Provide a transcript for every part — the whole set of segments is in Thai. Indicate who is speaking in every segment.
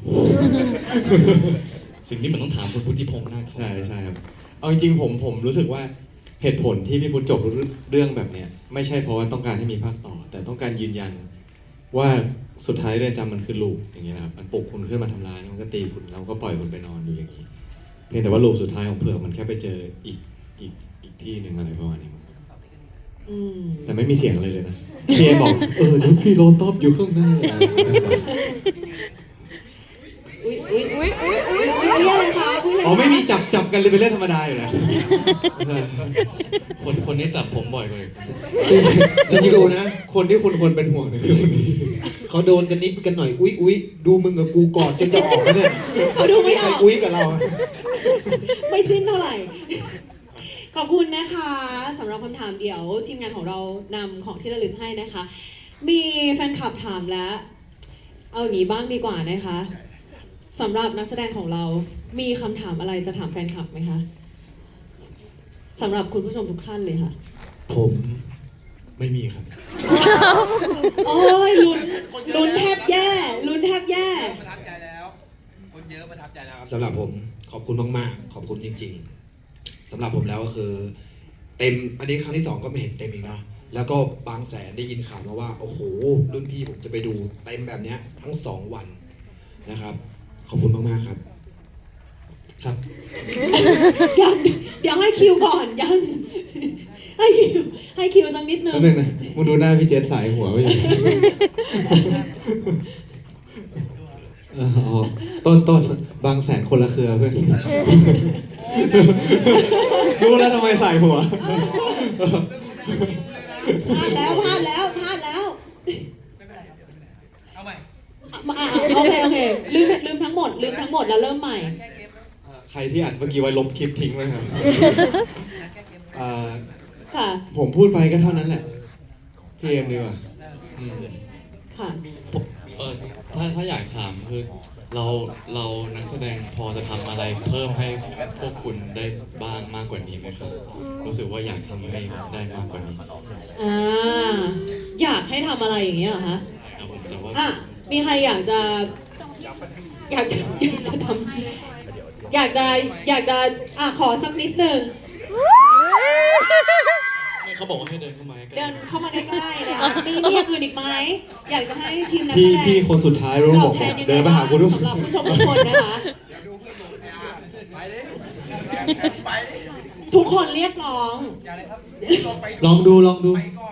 Speaker 1: สิ่งที่มันต้องถามคุณพุทธิพงษ์นาคทอง
Speaker 2: ใช่ครับเอาจริงๆผมรู้สึกว่าเหตุผลที่พี่พุทธจบเรื่องแบบเนี้ยไม่ใช่เพราะว่าต้องการให้มีภาคต่อ แต่ต้องการยืนยันว่าสุดท้ายเรือนจำมันคือลูปอย่างเงี้ยครับมันปลุกคุณขึ้นมาทำร้ายมันก็ตีคุณแล้วก็ปล่อยคุณไปนอนอยู่อย่างนี้เพียงแต่ว่าลูปสุดท้ายของเผือกมันแค่ไปเจออีกที่หนึ่งอะไรประมาณนี้มั้งแต่ไม่มีเสียงอะไรเลยนะพี่เอบอกเดี๋ยวพี่รอตอบอยู่ข้างหน้า
Speaker 3: อุ้ยอะไรคะอุ้ยอะไร
Speaker 2: อ๋อไม่มีจับกันเลยเป็นเรื่องธรรมดาอยู่แล้ว
Speaker 1: คนนี้จับผมบ่อยกว่า
Speaker 2: จริงๆดูนะคนที่คุณควรเป็นห่วงเนี่ยคือคนนี้
Speaker 4: เขาโดนกันนิดกันหน่อยอุ้ยดูมึงกับกูกอดจนจะออกแล้วเนี่ย
Speaker 3: ดูไม่อ
Speaker 4: ใคร
Speaker 3: อก
Speaker 4: อุ้ยกับเรา
Speaker 3: ไม่จิ้นเท่าไหร่ขอบคุณนะคะสำหรับคำถามเดี๋ยวทีมงานของเรานำของที่ระลึกให้นะคะ มีแฟนคลับถามแล้วเอาอย่างนี้บ้างดีกว่านะคะสำหรับนักแสดงของเรามีคำถามอะไรจะถามแฟนคลับไหมคะสำหรับคุณผู้ชมทุกท่านเลยค่ะ
Speaker 1: ผมไม่มีครับ
Speaker 3: โอ้ยลุ้นแทบแย่ลุ้นแทบแย่
Speaker 5: ประทับใจแล้วคนเยอะประทับใจแล้วครับ
Speaker 4: สำหรับผมขอบคุณมากๆขอบคุณจริงๆสำหรับผมแล้วก็คือเต็มอันนี้ครั้งที่2ก็ไม่เห็นเต็มอีกเนาะแล้วก็บางแสนได้ยินข่าวมาว่าโอ้โหรุ่นพี่ผมจะไปดูเต็มแบบเนี้ยทั้ง2วันนะครับขอบคุณมากๆครับครับ
Speaker 3: ยังเดี๋ยวให้คิวก่อนยังให้คิวสักนิดนึง
Speaker 2: นั่นเองนะมึงดูหน้าพี่เจษสายหัวไปอยู่ ต้นบางแสนคนละเครือเพื่อนรู้แล้วทำไมสายหัว
Speaker 3: พลาดแล้ว
Speaker 5: เอาใหม่
Speaker 3: โอเคลืมทั้งหมดแล้วเริ่มใหม่
Speaker 2: ใครที่อัดเมื่อกี้ไว้ลบคลิปทิ้งไว้ครับ
Speaker 3: ค่ะ
Speaker 2: ผมพูดไปก็เท่านั้นแหละพี่เอ็มดีกว่า
Speaker 3: ค่ะ
Speaker 1: ถ้าอยากถามคือเรานักแสดงพอจะทำอะไรเพิ่มให้พวกคุณได้บ้างมากกว่านี้ไหมครับรู้สึกว่าอยากทำให้ได้มากกว่านี้
Speaker 3: อยากให้ทำอะไรอย่างเงี้ยเหรอคะ
Speaker 1: ครับผมแต่ว่า
Speaker 3: มีใครอยากจะทำอยากจะขอสักนิดหนึ่ง
Speaker 1: เขาบอกว่าให้เดินเข้ามาใกล้
Speaker 3: เดินเข้ามาใกล้ๆเลยค่ะมีอย่างอื่นอีกไหมอยากจะให้ทีมนักแสดง
Speaker 2: พี่คนสุดท้ายรู้บอกเดินไปหากูด้วย
Speaker 3: สำหรับผู้ชมทุกคนนะคะ ทุกคนเรียกร้อง
Speaker 5: อย่าเลยครับ
Speaker 2: ลองดู
Speaker 5: ไปก่อน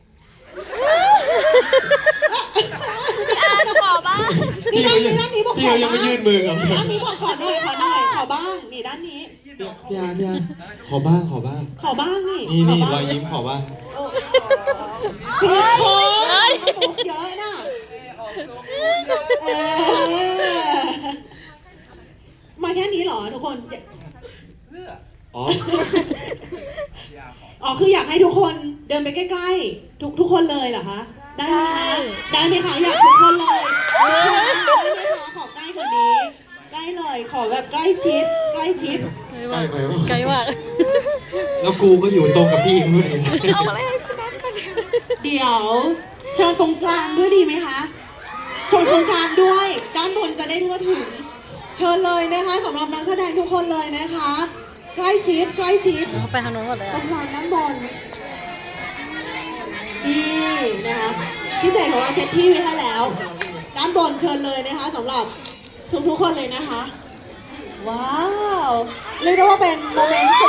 Speaker 3: หนูขอบ้างนี่ด้านนี้บอกข
Speaker 2: พี่
Speaker 3: อ
Speaker 2: เขายัง
Speaker 3: บ้าง
Speaker 2: ไม่ยื่นมือกับ
Speaker 3: ด้านนี้บอกขอหน่อยขอบ้างนี่ด้านนี้
Speaker 2: พี่อาขอบ้าง
Speaker 3: ขอบ้างนี่
Speaker 2: นี่
Speaker 3: ข
Speaker 2: รอยยิ้มขอบ้าง
Speaker 3: พี่โค้งมุกเยอะน่ะมาแค่นี้เหรอทุกคน
Speaker 2: อ๋อ
Speaker 3: คืออยากให้ทุกคนเดินไปใกล้ๆทุกคนเลยเหรอคะได้ไหมคะอยากทุกคนเลยได้ไหมคะขอใกล้กว่านี้ใกล้เลยขอแบบใกล้ชิด
Speaker 2: ใกล้ไปวะ
Speaker 6: ไกลมาก
Speaker 4: แล้วกูก็อยู่ตรงกับพี่มึงเลย
Speaker 6: เอาอะไรให้พี่นัทก่อน
Speaker 3: เดี๋ยวเชิญตรงกลางด้วยดีไหมคะเชิญตรงกลางด้วยด้านบนจะได้ทั่วถึงเชิญเลยนะคะสำหรับนักแสดงทุกคนเลยนะคะ ใกล้ชิด
Speaker 6: เขาไปทางโน้นหมดเลย
Speaker 3: ตรงกลางด้านบนนี่นะคะพี่เจดของเราเซตที่ไว้ให้แล้วด้านบนเชิญเลยนะคะสำหรับทุกคนเลยนะคะว้าวเรียกได้ว่าเป็นโมเมนต์